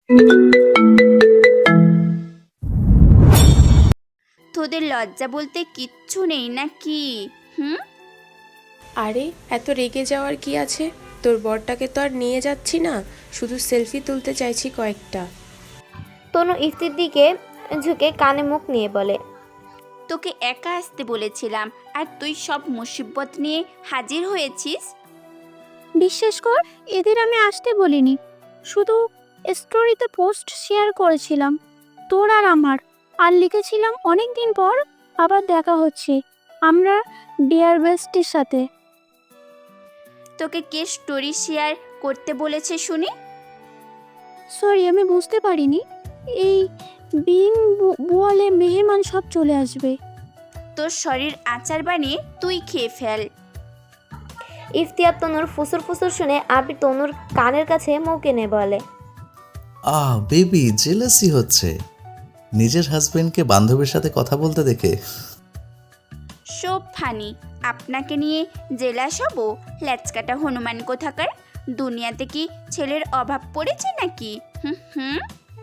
তোদের লজ্জা বলতে কিচ্ছু নেই নাকি? হুম। আরে এত রেগে যাওয়ার কি আছে? তোর বরটাকে তো আর নিয়ে যাচ্ছি না, শুধু সেলফি তুলতে চাইছি কয়েকটা। তনু ইফতির দিকে ঝুঁকে কানে মুখ নিয়ে বলে। তোকে একা আসতে বলেছিলাম, আর তুই সব মুসিবত নিয়ে হাজির হয়েছিস। বিশ্বাস কর, এদের আমি আসতে বলিনি, শুধু স্টোরিতে পোস্ট শেয়ার করেছিলাম তোর আর আমার, আর লিখেছিলাম অনেক দিন পর আবার দেখা হচ্ছে আমরা ডিয়ার বেস্টের সাথে। তোকে কে স্টোরি শেয়ার করতে বলেছে শুনি? সরি, আমি বুঝতে পারিনি। এই বিন বলে মেহমান সব চলে আসবে। তোর শরীর আচার বানিয়ে তুই খেয়ে ফেল। ইফতি আর তনুর ফুসুর ফুসুর শুনে আবির তনুর কানের কাছে মুখ এনে বলে। বেবি জেলাসি হচ্ছে নিজের হাজবেন্ডকে বান্ধবীর সাথে কথা বলতে দেখে। সব ফানি। আপনাকে নিয়ে জেলাস হব? ল্যাচকাটা হনুমান কোথাকার। দুনিয়াতে কি ছেলের অভাব পড়েছে নাকি? হুম হুম।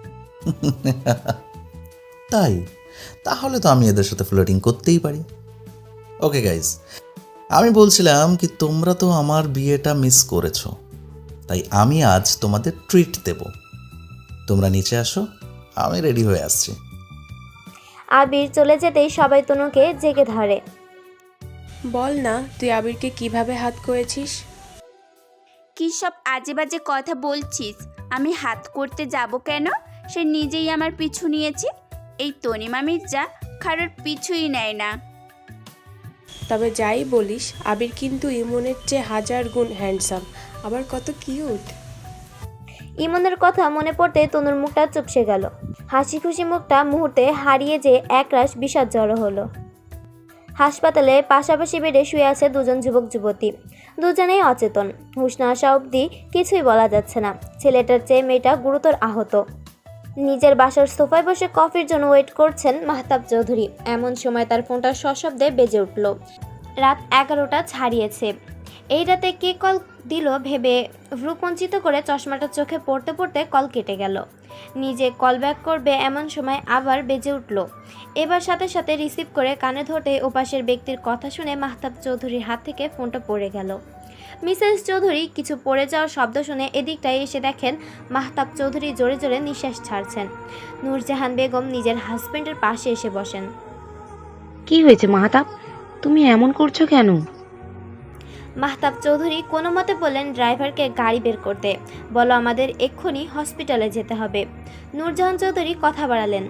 তাই তাহলে তো আমি এদের সাথে ফ্লোটিং করতেই পারি। ওকে গাইজ, আমি বলছিলাম কি তোমরা তো আমার বিয়েটা মিস করেছো, তাই আমি আজ তোমাদের ট্রিট দেব। তোমরা নিচে আসো, আমি রেডি হয়ে আসছি। আবির চলে যেতেই সবাই তনুকে জেগে ধরে। বল না, তুই আবিরকে কিভাবে হাত করেছিস? কী সব আজে বাজে কথা বলছিস? আমি হাত করতে যাব কেন? সে নিজেই আমার পিছু নিয়েছে। এই তনিমা মির্জা কারোর পিছুই নেয় না। তবে যাই বলিস, আবির কিন্তু ইমনের চেয়ে 1000 গুণ হ্যান্ডসাম, আবার কত কিউট। ইমনের কথা মনে পড়তে তনুর মুখটা চুপসে গেল। হাসি খুশি মুখটা মুহূর্তে হারিয়ে যে একরাশ বিষাদ জড়ো হলো। হাসপাতালে পাশাপাশি বেডে শুয়ে আছে দুজন যুবক যুবতী। দুজনেই অচেতন, হুঁশ না আসা অবধি কিছুই বলা যাচ্ছে না। ছেলেটার চেয়ে মেয়েটা গুরুতর আহত। নিজের বাসার সোফায় বসে কফির জন্য ওয়েট করছেন মাহতাব চৌধুরী। এমন সময় তার ফোনটা সশব্দে বেজে উঠল। রাত 11টা ছাড়িয়েছে। এই রাতে কে কল দিল ভেবে ভ্রুকুঞ্চিত করে চশমাটা চোখে পড়তে পড়তে কল কেটে গেল। নিজে কল ব্যাক করবে এমন সময় আবার বেজে উঠল। এবার সাথে সাথে রিসিভ করে কানে ধরতে ওপাশের ব্যক্তির কথা শুনে মাহতাব চৌধুরীর হাত থেকে ফোনটা পড়ে গেল। মিসেস চৌধুরী কিছু পড়ে যাওয়ার শব্দ শুনে এদিকটায় এসে দেখেন মাহতাব চৌধুরী জোরে জোরে নিঃশ্বাস ছাড়ছেন। নূরজাহান বেগম নিজের হাজবেন্ডের পাশে এসে বসেন। কি হয়েছে মাহতাব, তুমি এমন করছো কেন? মাহতাব চৌধুরী কোনো মতে বললেন ড্রাইভারকে গাড়ি বের করতে, বলো আমাদের এক্ষুনি হসপিটালে যেতে হবে। নূরজাহান চৌধুরী কথা বাড়ালেন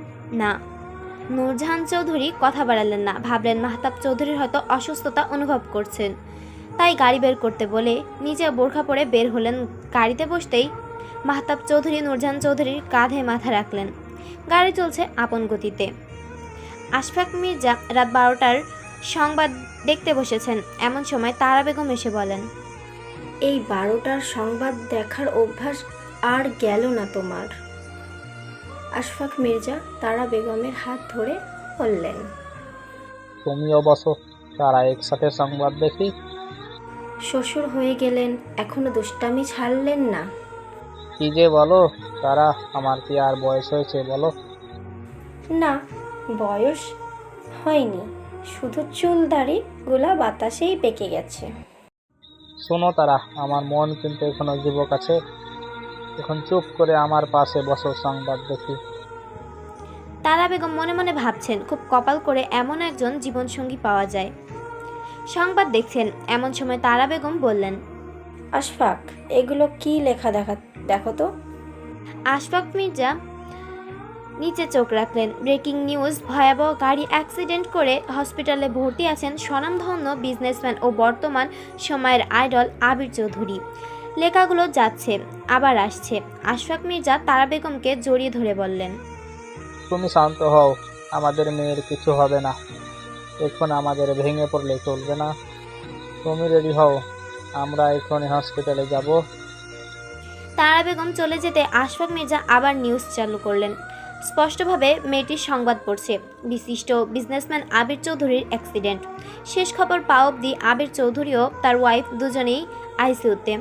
না। ভাবলেন মাহতাব চৌধুরীর হয়তো অসুস্থতা অনুভব করছেন, তাই গাড়ি বের করতে বলে নিজে বোরখা পরে বের হলেন। গাড়িতে বসতেই মাহতাব চৌধুরী নূরজাহান চৌধুরীর কাঁধে মাথা রাখলেন। গাড়ি চলছে আপন গতিতে। আশফাক মির্জা রাত 12টার সংবাদ দেখতে বসেছেন। এমন সময় তারা বেগম এসে বলেন, এই 12টার সংবাদ দেখার অভ্যাস আর গেল না তোমার। আশফাক মির্জা তারা বেগমের হাত ধরে বললেন, তুমিও বসো, তারা একসাথে সংবাদ দেখি। শ্বশুর হয়ে গেলেন, এখনো দুষ্টামি ছাড়লেন না। কি যে বলো তারা, আমার কি আর বয়স হয়েছে বলো? না, বয়স হয়নি, শুধু চুল দাড়ি গুলা বাতাসেই পেকে গেছে। শোনো তারা, আমার মন কিন্তু এখনো যুবক আছে। এখন চুপ করে আমার পাশে বসো, সংবাদ দেখি। তারা বেগম মনে মনে ভাবছেন খুব কপাল করে এমন একজন জীবনসঙ্গী পাওয়া যায়। সংবাদ দেখছেন। এমন সময় তারা বেগম বললেন, আশফাক, এগুলো কি লেখা দেখো তো। আশফাক মির্জা নিচে চোখ রাখলেন। ব্রেকিং নিউজ, ভয়াবহ গাড়ি অ্যাক্সিডেন্ট করে হসপিটালে ভর্তি আছেন স্বনামধন্য বিজনেসম্যান ও বর্তমান সময়ের আইডল আবির চৌধুরী। লেখাগুলো যাচ্ছে আবার আসছে। আশফাক মির্জা তারা বেগমকে জড়িয়ে ধরে বললেন, তুমি শান্ত হও, আমাদের মেয়ের কিছু হবে না। এখন আমাদের ভেঙে পড়লে চলবে না। তুমি রেডি হও, আমরা এখনই হসপিটালে যাব। তারা বেগম চলে যেতে আশফাক মির্জা আবার নিউজ চালু করলেন। স্পষ্টভাবে মেয়েটির সংবাদ পড়ছে, বিশিষ্ট বিজনেসম্যান আবির চৌধুরীর অ্যাক্সিডেন্ট। শেষ খবর পাওয়া অবধি আবির চৌধুরী ও তার ওয়াইফ দুজনেই আইসিইউতে।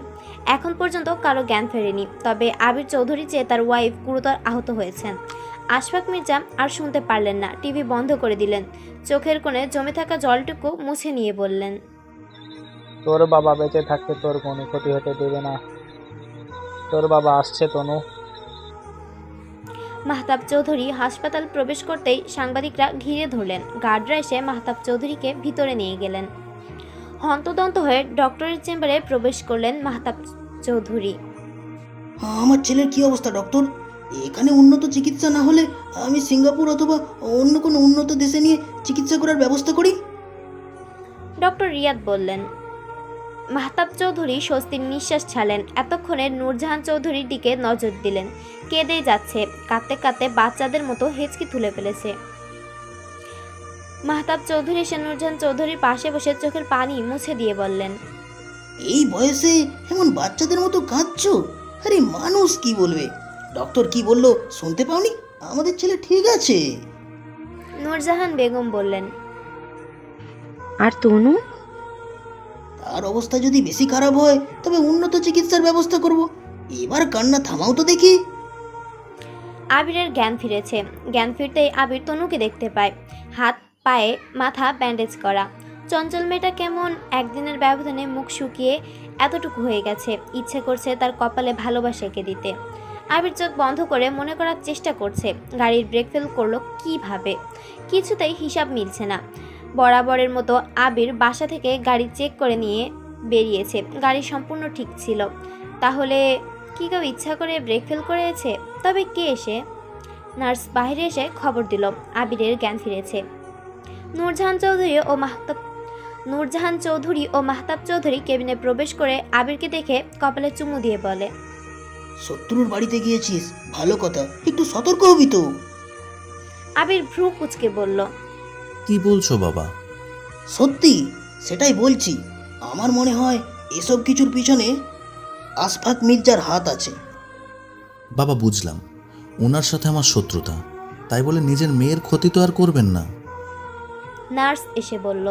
এখন পর্যন্ত কারো জ্ঞান ফেরেনি, তবে আবির চৌধুরী চেয়ে তার ওয়াইফ গুরুতর আহত হয়েছেন। আশফাক মির্জা আর শুনতে পারলেন না, টিভি বন্ধ করে দিলেন। চোখের কোণে জমে থাকা জলটুকু মুছে নিয়ে বললেন, তোর বাবা বেঁচে থাকতে তোর কোনো ক্ষতি হতে দেবে না। তোর বাবা আসছে তনু। মাহতাব চৌধুরী হাসপাতাল প্রবেশ করতেই সাংবাদিকরা ঘিরে ধরলেন। গার্ডরা এসে মাহতাব চৌধুরীকে ভিতরে নিয়ে গেলেন। হন্তদন্ত হয়ে ডক্টরের চেম্বারে প্রবেশ করলেন মাহতাব চৌধুরী। আমার ছেলের কি অবস্থা ডক্টর? এখানে উন্নত চিকিৎসা না হলে আমি সিঙ্গাপুর অথবা অন্য কোনো উন্নত দেশে নিয়ে চিকিৎসা করার ব্যবস্থা করি। ডক্টর রিয়াদ বললেন। মাহতাব চৌধুরী স্বস্তির নিঃশ্বাস ছাড়লেন। এতক্ষণে নূরজাহান চৌধুরীর দিকে নজর দিলেন। কেঁদেই যাচ্ছে, কাঁদতে কাঁদতে বাচ্চাদের মতো হেঁচকি তুলে ফেলেছে। মাহতাব চৌধুরী এসে নূরজাহান চৌধুরীর পাশে বসে চোখের পানি মুছে দিয়ে বললেন, এই বয়সে এমন বাচ্চাদের মতো কাঁদছো? আরে মানুষ কি বলবে? ডক্টর কি বললো শুনতে পাওনি? আমাদের ছেলে ঠিক আছে। নূরজাহান বেগম বললেন, আর তনু? তার অবস্থা যদি বেশি খারাপ হয় তবে উন্নত চিকিৎসার ব্যবস্থা করব। এবার কান্না থামাও তো দেখি। আবিরের জ্ঞান ফিরেছে। জ্ঞান ফিরতেই আবির তনুকে দেখতে পায়। হাত পায়ে মাথা ব্যান্ডেজ করা। চঞ্চল মেয়েটা কেমন একদিনের ব্যবধানে মুখ শুকিয়ে এতটুকু হয়ে গেছে। ইচ্ছে করছে তার কপালে ভালোবাসা এঁকে দিতে। আবির চোখ বন্ধ করে মনে করার চেষ্টা করছে গাড়ির ব্রেক ফেল করলো কিভাবে। কিছুতেই হিসাব মিলছে না। বরাবরের মতো আবির বাসা থেকে গাড়ি চেক করে নিয়ে বেরিয়েছে। গাড়ি সম্পূর্ণ ঠিক ছিল। তাহলে কি কেউ ইচ্ছা করে ব্রেক ফেল করেছে? তবে কে? এসে নার্স বাইরে এসে খবর দিল আবিরের জ্ঞান ফিরেছে। নূরজাহান চৌধুরী ও মাহতাব চৌধুরী কেবিনে প্রবেশ করে আবিরকে দেখে কপালে চুমু দিয়ে বলে, শত্রুর বাড়িতে গিয়েছিস, ভালো কথা, একটু সতর্ক হবি তো। আবির ভ্রু কুচকে বলল, কি বলছো বাবা? সত্যি, সেটাই বলছি। আমার মনে হয় এসব কিছুর পিছনে আশফাক মির্জার হাত আছে। বাবা বুঝলাম, ওনার সাথে আমার শত্রুতা, তাই বলে নিজের মেয়ের ক্ষতি তো আর করবেন না। নার্স এসে বলল,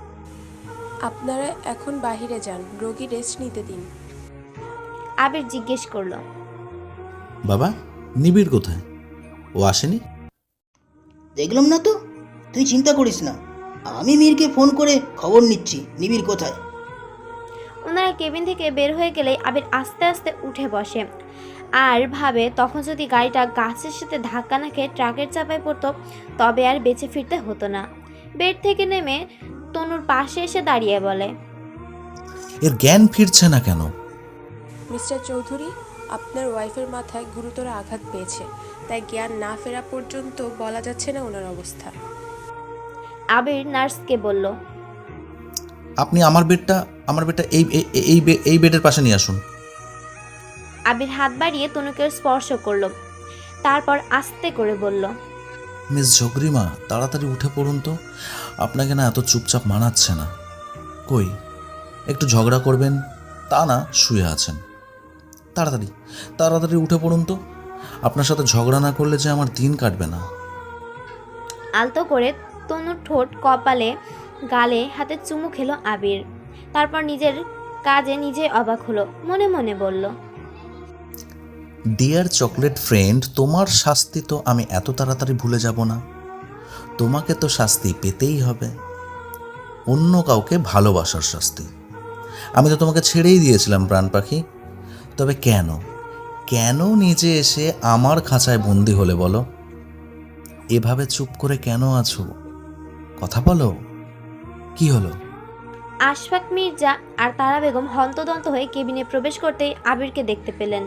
আপনারা এখন বাইরে যান, রোগী রেস্ট নিতে দিন। আবির জিজ্ঞেস করলো, বাবা, নিবিড় কোথায়? ও আসেনি? দেখলাম না তো। তুই চিন্তা করিস না, আমি মীরকে ফোন করে খবর নিচ্ছি নিবিড় কোথায়। ওনারা কেবিন থেকে বের হয়ে গেলেই আবির আস্তে আস্তে উঠে বসে আর ভাবে তখন যদি গাড়িটা গাছের সাথে ধাক্কা না খেয়ে ট্রাকের চাপায় পড়তো তবে আর বেঁচে ফিরতে হতো না। বেড থেকে নেমে তনুর পাশে এসে দাঁড়িয়ে বলে, এর জ্ঞান ফিরছে না কেন? মিস্টার চৌধুরী, আপনার ওয়াইফের মাথায় গুরুতর আঘাত পেয়েছে, তাই জ্ঞান না ফেরা পর্যন্ত বলা যাচ্ছে না ওনার অবস্থা। আবির নার্সকে বলল, আপনি আমার বেডটা এই বেডের পাশে নিয়ে আসুন। আবির হাত বাড়িয়ে তনুকে স্পর্শ করলো, তারপর আস্তে করে বলল, মিস ঝগরিমা, তাড়াতাড়ি উঠে পড়ুন তো, আপনাকে না এত চুপচাপ মানাচ্ছে না। কই একটু ঝগড়া করবেন তা না, শুয়ে আছেন। তাড়াতাড়ি উঠে পড়ুন তো, আপনার সাথে ঝগড়া না করলে যে আমার দিন কাটবে না। আলতো করে তনুর ঠোঁট, কপালে, গালে হাতে চুমু খেলো আবির। তারপর নিজের কাজে নিজে অবাক হলো, মনে মনে বলল, ডিয়ার চকলেট ফ্রেন্ড, তোমার শাস্তি তো আমি এত তাড়াতাড়ি ভুলে যাব না। তোমাকে তো শাস্তি পেতেই হবে, অন্য কাউকে ভালোবাসার শাস্তি। আমি তো তোমাকে ছেড়েই দিয়েছিলাম প্রাণ পাখি, তবে কেন নিজে এসে আমার খাঁচায় বন্দি হলে বলো? এভাবে চুপ করে কেন আছো? কথা বলো, কি হলো? আশফাক মির্জা আর তারা বেগম হন্তদন্ত হয়ে কেবিনে প্রবেশ করতেই আবিরকে দেখতে পেলেন।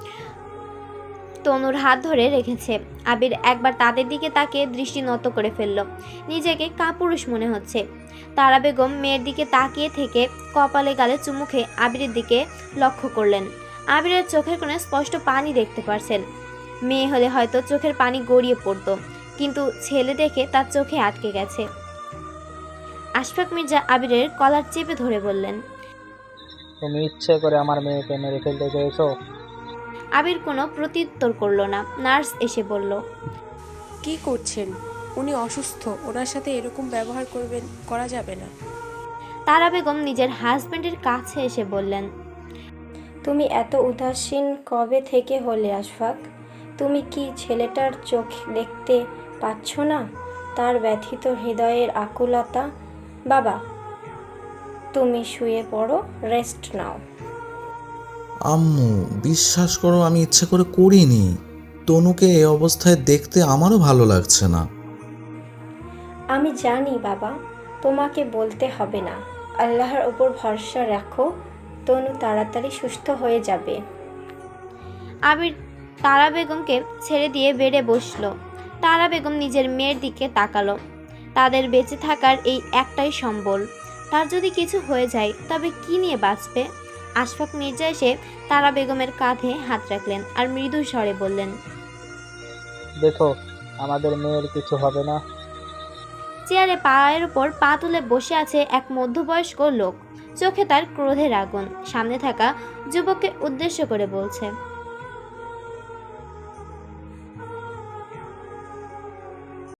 তনুর হাত ধরে রেখেছে। আবির একবার তাদের দিকে তাকিয়ে দৃষ্টি নত করে ফেলল। নিজেকে কাপুরুষ মনে হচ্ছে। তারা বেগম মেয়ের দিকে তাকিয়ে থেকে কপালে গালে চুমু খেয়ে আবিরের দিকে লক্ষ্য করলেন। আবিরের চোখের কোণে স্পষ্ট পানি দেখতে পারছেন। মেয়ে হলে হয়তো চোখের পানি গড়িয়ে পড়তো, কিন্তু ছেলে দেখে তার চোখে আটকে গেছে। আশফাক মির্জা আবিরের কলার চেপে ধরে বললেন, তুমি ইচ্ছে করে আমার মেয়েকে মেরে ফেলতে চেয়েছো? আবির কোনো প্রত্যুত্তর করলো না। নার্স এসে বলল, কি করছেন? উনি অসুস্থ, ওনার সাথে এরকম ব্যবহার করা যাবে না। তারা বেগম নিজের হাজবেন্ডের কাছে এসে বললেন, তুমি এত উদাসীন কবে থেকে হলে আশফাক? তুমি কি ছেলেটার চোখ দেখতে পাচ্ছ না? তার ব্যথিত হৃদয়ের আকুলতা। বাবা, তুমি শুয়ে পড়ো, রেস্ট নাও। আম্মু বিশ্বাস করো, আমি ইচ্ছে করে করিনি। তনুকে এই অবস্থায় দেখতে আমারও ভালো লাগছে না। আমি জানি বাবা, তোমাকে বলতে হবে না। আল্লাহর ওপর ভরসা রাখো, তনু তাড়াতাড়ি সুস্থ হয়ে যাবে। আবির তারা বেগমকে ছেড়ে দিয়ে বেডে বসলো। তারা বেগম নিজের মেয়ের দিকে তাকালো। তাদের বেঁচে থাকার এই একটাই সম্বল। তার যদি কিছু হয়ে যায় তবে কি নিয়ে বাঁচবে? আশফাক মির্জা এসে তারা বেগমের কাঁধে হাত রাখলেন আর মৃদু স্বরে বললেন, দেখো, আমাদের মেয়ের কিছু হবে না। চেয়ারে পায়ের উপর পা তুলে বসে আছে এক মধ্যবয়স্ক লোক। চোখে তার ক্রোধের আগুন। সামনে থাকা যুবককে উদ্দেশ্য করে বলছে,